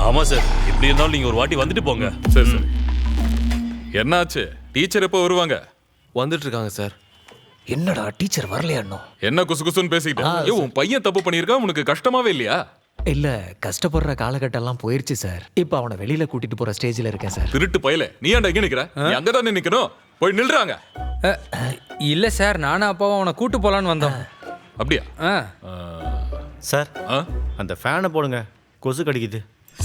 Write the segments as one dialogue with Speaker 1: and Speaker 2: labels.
Speaker 1: ஆமா சார், எப்படி இருந்தாலும் நீங்க ஒரு வாட்டி வந்துட்டு போங்க.
Speaker 2: சரி சரி. என்னாச்சு? டீச்சர் எப்போ வருவாங்க?
Speaker 3: வந்துட்டு இருக்காங்க சார்.
Speaker 4: என்னடா டீச்சர் வரலையா இன்னும்?
Speaker 2: என்ன குசு குசுன்னு பேசிக்கிட்டு? உன் பையன் தப்பு பண்ணியிருக்கா, உனக்கு கஷ்டமாவே இல்லையா?
Speaker 4: இல்ல, கஷ்டப்படுற காலகட்டம் எல்லாம் போயிருச்சு சார். இப்ப அவனை வெளியில கூட்டிட்டு போற ஸ்டேஜ்ல இருக்கேன் சார்.
Speaker 2: திருட்டு பையல, நீ ஏன்டா இங்க நிக்கிற? நீ அங்கதானே நிக்கணும். போய் நில்றாங்க.
Speaker 5: இல்ல சார், நானும் அப்பாவும் அவனை கூட்டு போலான்னு வந்தோம்.
Speaker 2: அப்படியா?
Speaker 6: சார் அந்த ஃபேனை போடுங்க, கொசு கடிக்குது.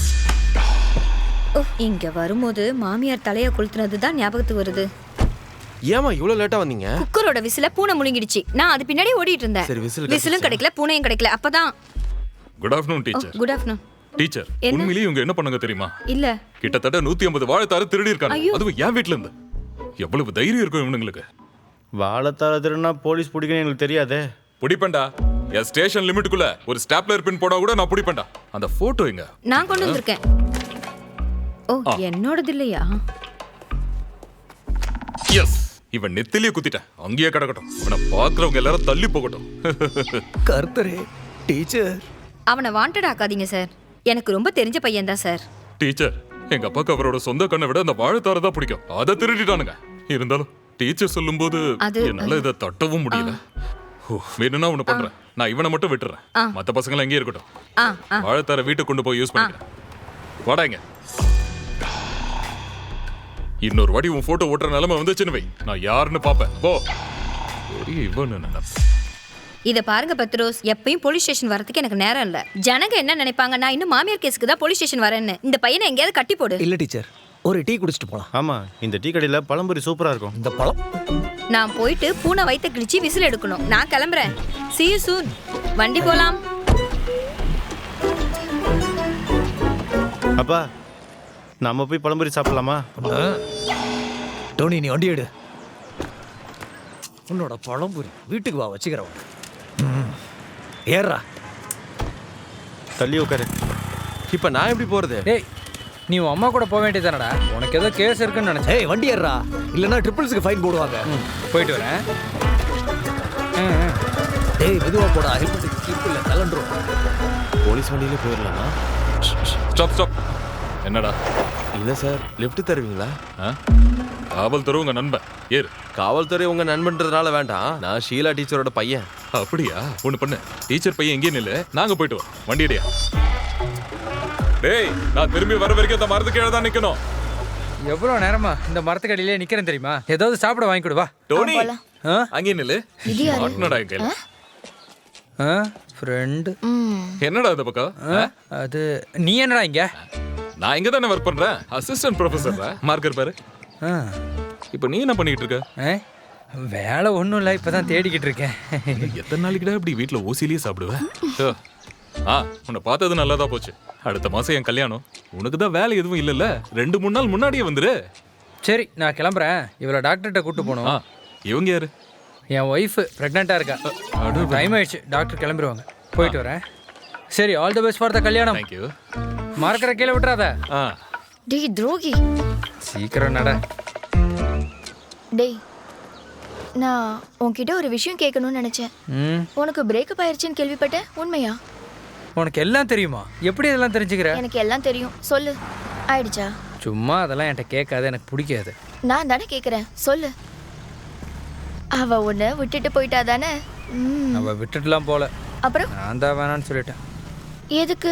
Speaker 7: இங்க வரும்போது மாமியார் தலையை கொளுத்துனது தான் ஞாபகத்துக்கு வருது.
Speaker 3: ஏமா இவ்வளவு லேட்டா வந்தீங்க?
Speaker 7: குக்கரோட விசில பூனை முழுங்கிடுச்சு. நான் அது பின்னாடி ஓடிட்டு இருந்தேன்.
Speaker 3: சரி, விசில்
Speaker 7: விசிலும் கிடைக்கல, பூனையும் கிடைக்கல. அப்பதான்
Speaker 2: good afternoon teacher.
Speaker 7: Good afternoon.
Speaker 2: Teacher, உண்மையிலேயே இவங்க என்ன பண்ணாங்க தெரியுமா?
Speaker 7: இல்ல,
Speaker 2: கிட்டத்தட்ட 150 வாழைத்தாறு திருடி இருக்காங்க. அதுவும் என் வீட்ல இருந்து. எவ்வளவு தைரியம் இருக்கும் இவனுங்களுக்கு?
Speaker 6: வாழைத்தார திருடுனா போலீஸ் பிடிக்கணும் எங்களுக்கு தெரியாதே.
Speaker 2: பிடிப்பேன்டா. என் ஸ்டேஷன் லிமிட்டுக்குள்ள ஒரு ஸ்டாப்லர் பின் போனா கூட நான் பிடிப்பேன்டா. அந்த போட்டோ எங்க?
Speaker 7: நான் கொண்டு வந்திருக்கேன். ஓ, என்னோடது இல்லையா?
Speaker 2: எஸ், இவன் நெத்திலேயே குத்திட்டேன். அங்கேயே கிடக்கட்டும். இவனை பாக்குறவங்க எல்லாரும் தள்ளி போகட்டும்.
Speaker 4: கர்த்தரே, டீச்சர்
Speaker 7: அவனை வாண்டட் ஆக்காதீங்க சார். எனக்கு ரொம்ப தெரிஞ்ச பையன் தான் சார்.
Speaker 2: டீச்சர், எங்க அப்பாக்கு அவரோட சொந்த கண்ணை விட அந்த வாழைத்தாரை தான் பிடிக்கும். அதை திருடிட்டானுங்க. இருந்தாலும் டீச்சர் சொல்லும்போது என்னால இதை தட்டவும் முடியல. வேணும்னா ஒண்ணு பண்றேன், நான் இவனை மட்டும் விட்டுறேன். மத்த பசங்க எங்கே இருக்கட்டும். வாழைத்தாரை வீட்டுக்கு கொண்டு போய் யூஸ் பண்ணிக்கிறேன். வாடாங்க. இன்னொரு வாட்டி உன் போட்டோ ஓட்டுற நிலைமை வந்துச்சுன்னு வை, நான் யாருன்னு பாப்பேன். போ.
Speaker 7: இத பாருங்க பத்ரோஸ், எப்பயும் போலீஸ் ஸ்டேஷன் வரதுக்கு எனக்கு நேரம் இல்ல. ஜனங்க என்ன நினைப்பாங்க, நான் இன்னும் மாமியார் கேஸுக்கு தான் போலீஸ் ஸ்டேஷன் வரேன்னு. இந்த பையனை எங்கேயாவது கட்டி போடு.
Speaker 4: இல்ல டீச்சர், ஒரு டீ குடிச்சிட்டு போலாம்.
Speaker 6: ஆமா, இந்த டீ கடையில பழம்பொரி சூப்பரா இருக்கும்.
Speaker 4: இந்த பழம்
Speaker 7: நான் போயிட்டு பூனை வயித்தை கிழிச்சு விசில் எடுக்கணும். நான் கிளம்புறேன். See you soon. வண்டி போலாம்.
Speaker 6: அப்பா, நம்ம போய் பழம்பொரி சாப்பிடலாமா?
Speaker 4: டோனி, நீ வண்டி எடு. உன்னோட பழம்புரி வீட்டுக்கு வா, வச்சுக்கிறவன். ஏறா,
Speaker 6: தள்ளி உட்காரு.
Speaker 3: இப்ப நான் எப்படி போறது?
Speaker 5: டேய், நீ உன் அம்மா கூட போக வேண்டியதானடா. உனக்கு ஏதோ கேஸ் இருக்குன்னு நினைச்சேன்.
Speaker 4: ஏய் வண்டி ஏறா, இல்லைன்னா ட்ரிபிள்ஸுக்கு ஃபைன் போடுவாங்க.
Speaker 5: போயிட்டு வரேன்.
Speaker 4: டேய் மெதுவா போடா, ஹெல்மெட் கிளிப் இல்ல, கலண்டுரும்.
Speaker 3: போலீஸ் வண்டியில போயிடலாமா?
Speaker 2: Stop stop. என்னடா?
Speaker 3: இல்ல சார், லிஃப்ட் தருவீங்களா?
Speaker 2: காவல்துறை உங்க நண்பன். ஏறு.
Speaker 3: காவல்துறை உங்க நண்பன்றதுனால வேண்டாம், நான் ஷீலா டீச்சரோட பையன்.
Speaker 2: அப்படியா? ஒண்ணு பண்ணு, டீச்சர் பையன் எங்கேயும் நில்லு, நாங்க போயிட்டு வரோம். வண்டியடியா. டேய், நான் திரும்பி வர வரைக்கும் இந்த மரத்துக்கு கீழே தான் நிக்கணும்.
Speaker 5: எவ்வளவு நேரமா இந்த மரத்துக்கு அடியிலே நிக்கிறேன் தெரியுமா? ஏதாவது சாப்பிட வாங்கி கொடு. வா
Speaker 2: டோனி, அங்கே நில்லு. மாட்டனடா எங்க
Speaker 5: ஃப்ரெண்ட்.
Speaker 2: என்னடா இந்த பக்கம்?
Speaker 5: அது நீ என்னடா இங்க?
Speaker 2: நான் இங்க தானே ஒர்க் பண்றேன், அசிஸ்டன்ட் ப்ரொஃபசர். மார்க்கர் பாரு. இப்போ நீ என்ன பண்ணிட்டு இருக்க?
Speaker 5: வேலை ஒன்றும் இல்லை, இப்பதான் தேடிக்கிட்டு இருக்கேன்.
Speaker 2: எத்தனை நாளைக்குடா இப்படி வீட்டில் ஓசிலேயே சாப்பிடுவேன்? உன்னை பார்த்தது நல்லதா போச்சு. அடுத்த மாசம் என் கல்யாணம். உனக்கு தான் வேலை எதுவும் இல்லைல்ல, 2-3 நாள் முன்னாடியே வந்துரு.
Speaker 5: சரி, நான் கிளம்புறேன். இவளை டாக்டர்கிட்ட கூட்டு போகணும்.
Speaker 2: இவங்க யாரு?
Speaker 5: என் ஒய்ஃப் ப்ரெக்னெண்ட்டாக இருக்கா. டைம் ஆயிடுச்சு, டாக்டர் கிளம்பிடுவாங்க. போயிட்டு வரேன். சரி, all the best for the கல்யாணம்.
Speaker 2: தேங்க்யூ.
Speaker 5: மறக்கிற கீழே விட்டுறாத.
Speaker 7: டேய் துரோகி,
Speaker 5: சீக்கிரம் நட.
Speaker 8: டேய், நான் உன்கிட்ட ஒரு விஷயம் கேட்கணும்னு நினைச்சேன். உனக்கு பிரேக்கப் ஆயிருச்சுன்னு கேள்விப்பட்டேன், உண்மையா?
Speaker 5: உனக்கு எல்லாம் தெரியுமா? எப்படி இதெல்லாம் தெரிஞ்சுக்கிற?
Speaker 8: எனக்கு எல்லாம் தெரியும், சொல்லு. ஆயிடுச்சா?
Speaker 5: சும்மா அதெல்லாம் என்கிட்ட கேட்காது, எனக்கு பிடிக்காது.
Speaker 8: நான் தானே கேட்குறேன், சொல்லு. அவ உன்னை விட்டுட்டு போயிட்டா தானே?
Speaker 5: அவ விட்டுட்டுலாம் போல.
Speaker 8: அப்புறம்
Speaker 5: நான் தான் வேணான்னு சொல்லிட்டேன்.
Speaker 8: எதுக்கு?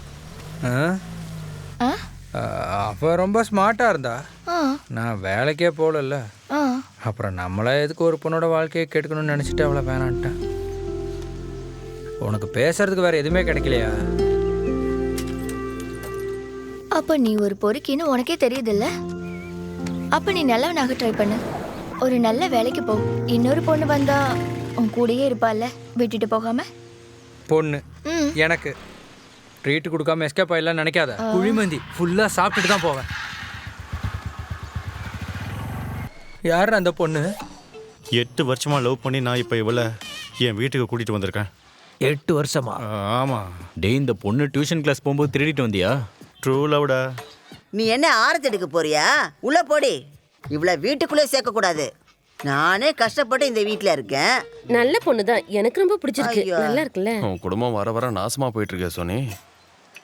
Speaker 5: அவ ரொம்ப ஸ்மார்ட்டாக இருந்தா, நான் வேலைக்கே போகல. அப்புறம் நம்மளா எதுக்கு ஒரு பொண்ணோட வாழ்க்கையை கேட்கணும்னு நினச்சிட்டு அவளை வேணான்ட்டேன். உனக்கு பேசுறதுக்கு வேற எதுவுமே கிடைக்கலையா?
Speaker 8: அப்ப நீ ஒரு பொறுக்கின்னு உனக்கே தெரியுதுல்ல? அப்ப நீ நல்லவனாக ட்ரை பண்ணு. ஒரு நல்ல வேலைக்கு போ. இன்னொரு பொண்ணு வந்தா உன் கூடயே இருப்பாள்ல, விட்டுட்டு போகாம.
Speaker 5: பொண்ணு எனக்கு ட்ரீட் கொடுக்காம எஸ்கேப் ஆயிடலாம் நினைக்காத. குழிமந்தி ஃபுல்லாக சாப்பிட்டுட்டு தான் போவேன். யார் அந்த பொண்ணு?
Speaker 6: 8 வருஷமா லவ் பண்ணி நான் இப்போ இவளை என் வீட்டுக்கு கூட்டிட்டு வந்திருக்கேன்.
Speaker 4: 8 வருஷமா?
Speaker 6: ஆமா.
Speaker 9: டேய், இந்த பொண்ணு டியூஷன் கிளாஸ் போகும்போது திருடிட்டு வந்தியா?
Speaker 6: ட்ரூ லவ்டா.
Speaker 10: நீ என்ன ஆரத்தி எடுக்க போறியா? உள்ள போடி. இவ்வளோ வீட்டுக்குள்ளே சேர்க்கக்கூடாது. நானே கஷ்டப்பட்டு இந்த வீட்டில் இருக்கேன்.
Speaker 11: நல்ல பொண்ணு தான், எனக்கு ரொம்ப பிடிச்சிருக்கு. நல்லா இருக்குல்ல?
Speaker 3: உன் குடும்பம் வர வர நாசமா போயிட்டு இருக்க சோனி.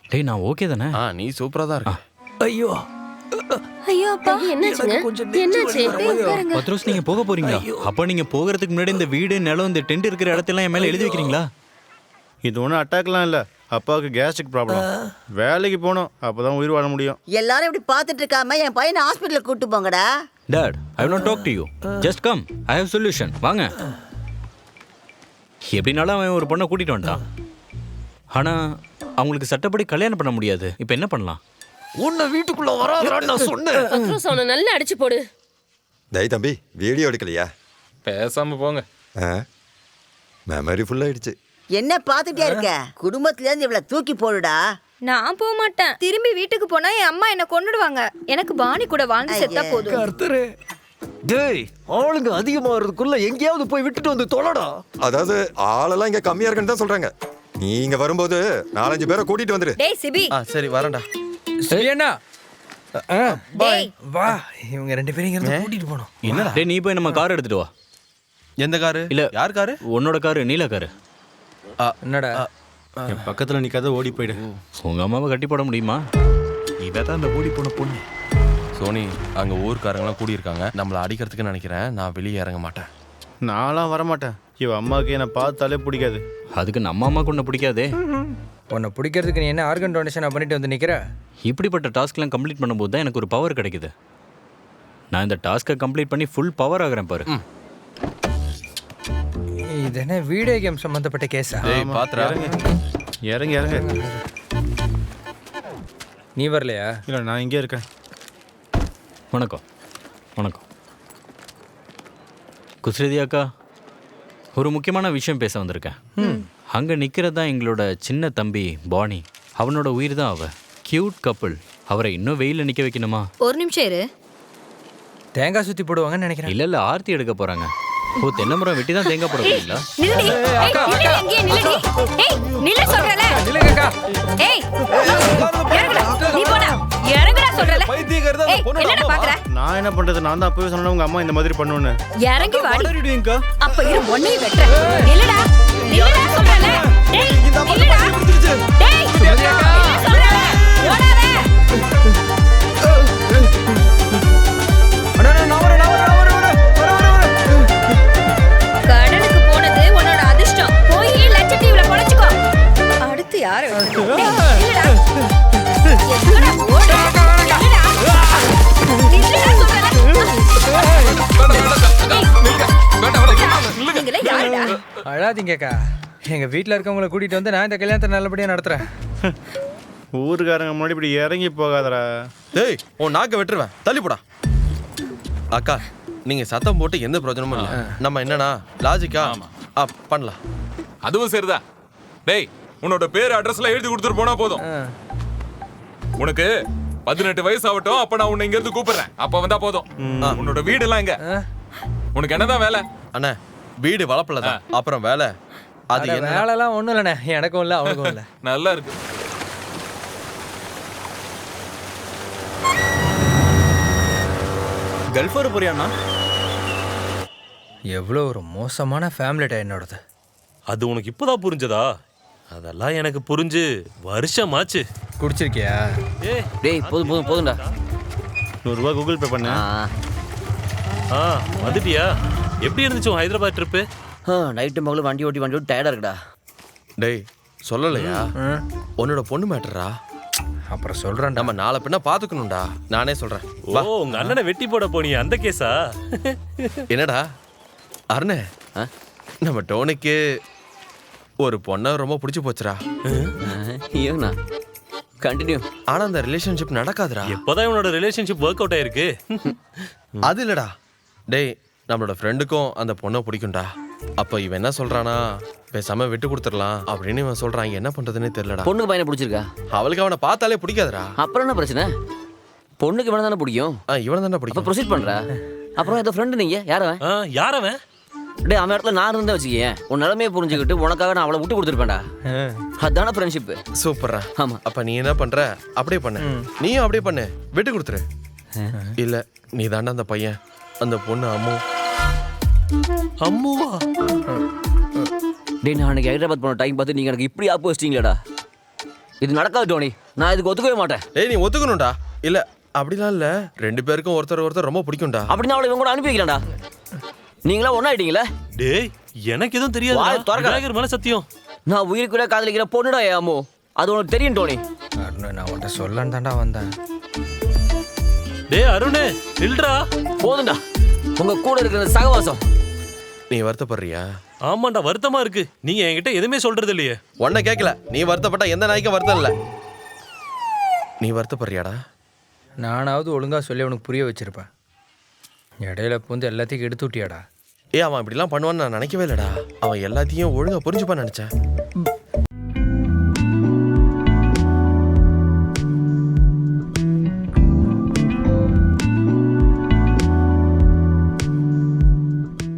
Speaker 9: டேய் நான் ஓகே தானே?
Speaker 3: நீ சூப்பரா தான் இருக்க.
Speaker 4: ஐயோ
Speaker 8: ஐயோ அப்பா
Speaker 7: என்னாச்சுங்க என்னாச்சு
Speaker 9: பத்ரோஸ் நீங்க போக போறீங்களா? அப்ப நீங்க போகிறதுக்கு முன்னாடி இந்த வீடு நிலம் இந்த டென்ட் இருக்கிற இடத்தெல்லாம் என் மேல எழுதி வைக்கிறீங்களா?
Speaker 6: இது ஒன்றும் அட்டாக்லாம் இல்லை, அப்பாவுக்கு கேஸ்ட்ரிக் ப்ராப்ளம். வேலைக்கு போகணும், அப்போ தான் உயிர் வாழ முடியும்.
Speaker 10: எல்லாரும் இப்படி பார்த்துட்டு இருக்காம என் பையனை ஹாஸ்பிட்டலுக்கு கூட்டு போங்கடா.
Speaker 9: Dad, I will not talk to you. Just come. I have solution. வாங்க. எப்படினாலும் அவன் ஒரு பொண்ணை கூட்டிட்டு வந்துட்டான். ஆனா அவங்களுக்கு சட்டப்படி கல்யாணம் பண்ண முடியாது. இப்போ என்ன பண்ணலாம்?
Speaker 4: உன்னை வீட்டுக்குள்ள வராதடான்னு நான் சொன்னேன்.
Speaker 7: பத்ரோஸ் அவனை நல்லா அடிச்சு போடு.
Speaker 11: டேய் தம்பி, வீடியோ எடுக்கலையா?
Speaker 2: பேசாம போங்க.
Speaker 11: மெமரி ஃபுல் ஆயிடுச்சு.
Speaker 10: என்ன பார்த்துட்டே இருக்க? குடும்பத்துல இருந்து இவ்வளவு தூக்கி போடுடா.
Speaker 7: நான் போக மாட்டேன். திரும்பி வீட்டுக்கு போனா என் அம்மா என்ன கொன்னுடுவாங்க. எனக்கு பாணி கூட வாழ்ந்து செத்தா போதும்.
Speaker 4: கர்த்தரே, டேய் ஆளுங்க அதிகமாகிறதுக்குள்ள எங்கேயாவது போய் விட்டுட்டு வந்து தொலைடா.
Speaker 11: அதாவது ஆளெல்லாம் இங்க கம்மியா இருக்குன்னு தான் சொல்றாங்க. நீ இங்க வரும்போது 4-5 பேரை கூட்டிட்டு வந்துரு.
Speaker 7: டேய் சிபி.
Speaker 3: சரி வரேன்டா.
Speaker 5: சரியாண்ணா
Speaker 7: டேய்
Speaker 5: வா, இவங்க 2 பேரும் இங்க இருந்து கூட்டிட்டு போனோம்.
Speaker 3: என்னடா?
Speaker 9: டேய் நீ போய் நம்ம கார் எடுத்துட்டு வா.
Speaker 3: எந்த காரு?
Speaker 9: இல்ல
Speaker 3: யார் காரு?
Speaker 9: உன்னோட காரு, நீல காரு.
Speaker 5: என்னடா
Speaker 6: என் பக்கத்தில் நிற்காத ஓடி போயிடு.
Speaker 9: உங்க அம்மாவை கட்டி போட முடியுமா?
Speaker 3: இதான் அந்த ஓடி போன பொண்ணு. சோனி, அங்க ஊர்க்காரங்களாம் கூடியிருக்காங்க. நம்மளை அடிக்கிறதுக்கு நினைக்கிறேன். நான் வெளியே இறங்க மாட்டேன்.
Speaker 6: நான்லாம் வரமாட்டேன். இவ அம்மாவுக்கு என்னை பார்த்தாலே பிடிக்காது.
Speaker 9: அதுக்கு நம்ம அம்மாவுக்கு ஒன்று பிடிக்காதே.
Speaker 5: உன்னை பிடிக்கிறதுக்கு நீ என்ன ஆர்கன் டொனேஷன் பண்ணிட்டு வந்து நிக்கிற?
Speaker 9: இப்படிப்பட்ட டாஸ்க்லாம் கம்ப்ளீட் பண்ணும்போது தான் எனக்கு ஒரு பவர் கிடைக்குது. நான் இந்த டாஸ்க்கை கம்ப்ளீட் பண்ணி ஃபுல் பவர் ஆகிறேன் பாரு.
Speaker 5: இது என்ன வீடியோ கேம் சம்பந்தப்பட்ட கேஸா?
Speaker 3: டேய் பாத்துறா.
Speaker 6: இறங்கி இறங்க.
Speaker 5: நீ வரலையா?
Speaker 6: இல்லை நான் இங்கே இருக்கேன்.
Speaker 9: வணக்கம். வணக்கம் குஸ்ரதி அக்கா, ஒரு முக்கியமான விஷயம் பேச வந்திருக்கேன். அங்கே நிற்கிறது தான் எங்களோட சின்ன தம்பி பாணி. அவனோட உயிர் தான் அவ. Cute couple. அவரை இன்னும் வெயிலில் நிற்க வைக்கணுமா?
Speaker 7: ஒரு நிமிஷம் இரு.
Speaker 5: தேங்காய் சுத்தி போடுவாங்கன்னு நினைக்கிறேன்.
Speaker 9: இல்லை ஆர்த்தி எடுக்க போகிறாங்க. ஓ, தென்னை மரம் வெட்டி தான் தேங்காய் போட போறீங்களா?
Speaker 7: நில்லுடி. ஏய் நில்லு, எங்கே நில்லுடி. ஏய் நில்லு சொல்றல.
Speaker 5: நில்லுங்கக்கா.
Speaker 7: ஏய் இறங்குடா. நீ போடா. இறங்குடா சொல்றல. ஏய் என்னடா பாக்குற?
Speaker 6: நான் என்ன பண்ணுறது? நான் தான் அப்பவே சொன்னேன் உங்கள் அம்மா இந்த மாதிரி பண்ணுன்னு.
Speaker 7: இறங்கி வாடி. அப்ப இரு ஒன்னையும் வெட்றேன். நில்லுடா. நில்லுடா சொல்றல. டேய் நில்லுடா. டேய் நில்லு சொல்றல. ஓடாத. கடலுக்கு போனது உன்னோட அதிர்ஷ்டம். போய் லட்சத்தீவுல பொழைச்சுக்கோ. அடுத்து யாரை வெட்டுறது? டேய், நில்லுடா. எங்கடா ஓடுற? நில்லுடா. நில்லுடா சொல்றேன்ல. நீங்களே யாருடா?
Speaker 5: அழாதீங்கக்கா. எங்க வீட்டில் இருக்கவங்களை கூட்டிட்டு வந்து நான் இந்த கல்யாணத்தை நல்லபடியா நடத்துறேன்.
Speaker 6: ஊருக்காரங்க முன்னாடி இப்படி இறங்கி போகாதடா.
Speaker 3: டேய் உன் நாக்க வெட்டுருவேன். தள்ளி போடா. அக்கா, நீங்க சத்தம் போட்டு எந்த பிரயோஜனமும் இல்லை. நம்ம என்னன்னா லாஜிக்கா பண்ணலாம்.
Speaker 2: அதுவும் சரிதான். டேய் உன்னோட பேர் அட்ரஸ்ல எழுதி கொடுத்துட்டு போனா போதும். உனக்கு 18 வயசு ஆகட்டும். அப்ப நான் உன்னை இங்க இருந்து கூப்பிடுறேன். அப்ப வந்தா போதும். உன்னோட வீடு எல்லாம் எங்க? உனக்கு என்னதான் வேலை?
Speaker 3: அண்ணா வீடு வளப்பலதான். அப்புறம் வேலை அது என்ன?
Speaker 5: வேலைலாம் ஒன்றும் இல்லைண்ணே. எனக்கும் இல்லை அவனுக்கும் இல்லை.
Speaker 2: நல்லா இருக்கு.
Speaker 9: கல்ஃப் வர போறியாண்ணா?
Speaker 5: எவ்வளோ ஒரு மோசமான ஃபேமிலிட்டா என்னோடது.
Speaker 1: அது உனக்கு இப்போதான் புரிஞ்சதா? அதெல்லாம் எனக்கு புரிஞ்சு வருஷமாச்சு.
Speaker 5: குடிச்சிருக்கியா?
Speaker 9: டேய் போதும் போதும் போதும்டா.
Speaker 6: 100 ரூபா கூகுள் பே பண்ண.
Speaker 1: வந்துட்டியா? எப்படி இருந்துச்சு உன் ஹைதராபாத் ட்ரிப்பு?
Speaker 9: நைட்டு மகளும் வண்டி ஓட்டி டயர்டா இருக்குடா.
Speaker 3: டேய் சொல்லலையா? உன்னோட பொண்ணு மேட்டரா?
Speaker 5: அப்புறம் சொல்றேன்.
Speaker 3: நம்ம நாளை பின்ன பாத்துக்கணும்டா. நானே சொல்றேன்.
Speaker 1: ஓ, உங்க அண்ணனை வெட்டி போட போனியா? அந்த கேஸா?
Speaker 3: என்னடா அருணே, நம்ம டோனிக்கு ஒரு பொண்ணை ரொம்ப பிடிச்சி போச்சுடா.
Speaker 9: ஏங்கண்ணா கண்டினியூ.
Speaker 3: ஆனா அந்த ரிலேஷன்ஷிப் நடக்காதுடா.
Speaker 1: எப்போதான் உன்னோட ரிலேஷன்ஷிப் ஒர்க் அவுட் ஆயிருக்கு?
Speaker 3: அது இல்லடா. டேய் நம்மளோட ஃப்ரெண்டுக்கும் அந்த பொண்ணை பிடிக்கும்டா. அப்ப இவன் என்ன சொல்றானா, பேசாம விட்டு கொடுத்துடலாம் அப்படின்னு இவன் சொல்றான். என்ன பண்றதுன்னே தெரியலடா.
Speaker 9: பொண்ணுக்கு பையனை பிடிச்சிருக்கா?
Speaker 3: அவளுக்கு அவனை பார்த்தாலே பிடிக்காதுடா.
Speaker 9: அப்புறம் என்ன பிரச்சனை? பொண்ணுக்கு இவனை தானே பிடிக்கும்.
Speaker 3: இவனை தானே பிடிக்கும்.
Speaker 9: ப்ரொசீட் பண்ற. அப்புறம் ஏதோ ஃப்ரெண்டு நீங்க யாரவன்?
Speaker 1: யாரவன்?
Speaker 9: டேய் அவன் இடத்துல நான் இருந்தா வச்சுக்கேன். உன் நிலைமையை புரிஞ்சுக்கிட்டு உனக்காக நான் அவளை விட்டு கொடுத்துருப்பேன்டா. அதான ஃப்ரெண்ட்ஷிப்.
Speaker 3: சூப்பர்ரா.
Speaker 9: ஆமா.
Speaker 3: அப்ப நீ என்ன பண்ற? அப்படியே பண்ணு. நீயும் அப்படியே பண்ணு. விட்டு கொடுத்துரு. இல்ல நீ தாண்டா அந்த பையன். அந்த பொண்ணு
Speaker 1: அம்முவா?
Speaker 9: டேய் நான் அன்னைக்கு ஹைதராபாத் போன டைம் பார்த்து நீங்க எனக்கு இப்படி ஆப்பு வச்சிட்டீங்களாடா.
Speaker 12: இது நடக்காது டோனி. நான் இதுக்கு ஒத்துக்கவே மாட்டேன்.
Speaker 3: டேய் நீ ஒத்துக்கணும்டா. இல்ல அப்படிலாம் இல்ல, 2 பேருக்கும் ஒருத்தர் ரொம்ப பிடிக்கும்டா.
Speaker 12: அப்படின்னா அவளை இவங்க கூட அனுப்பி வைக்கலாம்டா. நீங்களா ஒன்னாயிட்டீங்களே.
Speaker 1: டேய் எனக்கு எதுவும் தெரியாது.
Speaker 12: வாயை திறக்காத.
Speaker 1: விநாயகர் மேல சத்தியம்.
Speaker 12: நான் உயிருக்குள்ள காதலிக்கிற பொண்ணுடா என் அம்மு. அது உனக்கு தெரியும் டோனி.
Speaker 5: அருண், நான் உன்கிட்ட சொல்லன்னு தான்டா வந்தேன்.
Speaker 1: டேய் அருணே நில்றா.
Speaker 12: போதும்டா உங்க கூட இருக்கிற சகவாசம்.
Speaker 3: நீ வருத்தப்படுறியா?
Speaker 1: ஆமாண்டா வருத்தமா இருக்கு. நீங்க என்கிட்ட எதுவுமே சொல்றது இல்லையே.
Speaker 3: உன்னை கேட்கல. நீ வருத்தப்பட்டா எந்த நாய்க்கும் வருத்தம் இல்ல. நீ வருத்தப்படுறியாடா?
Speaker 5: நானாவது ஒழுங்கா சொல்லி அவனுக்கு புரிய வச்சிருப்பேன். இடையில பூந்து எல்லாத்தையும் எடுத்து விட்டியாடா.
Speaker 3: அவன் இப்படிலாம் பண்ணுவான்னு நான் நினைக்கவே இல்லடா. அவன் எல்லாத்தையும் ஒழுங்கா புரிஞ்சுப்பான்னு நினைச்சேன்.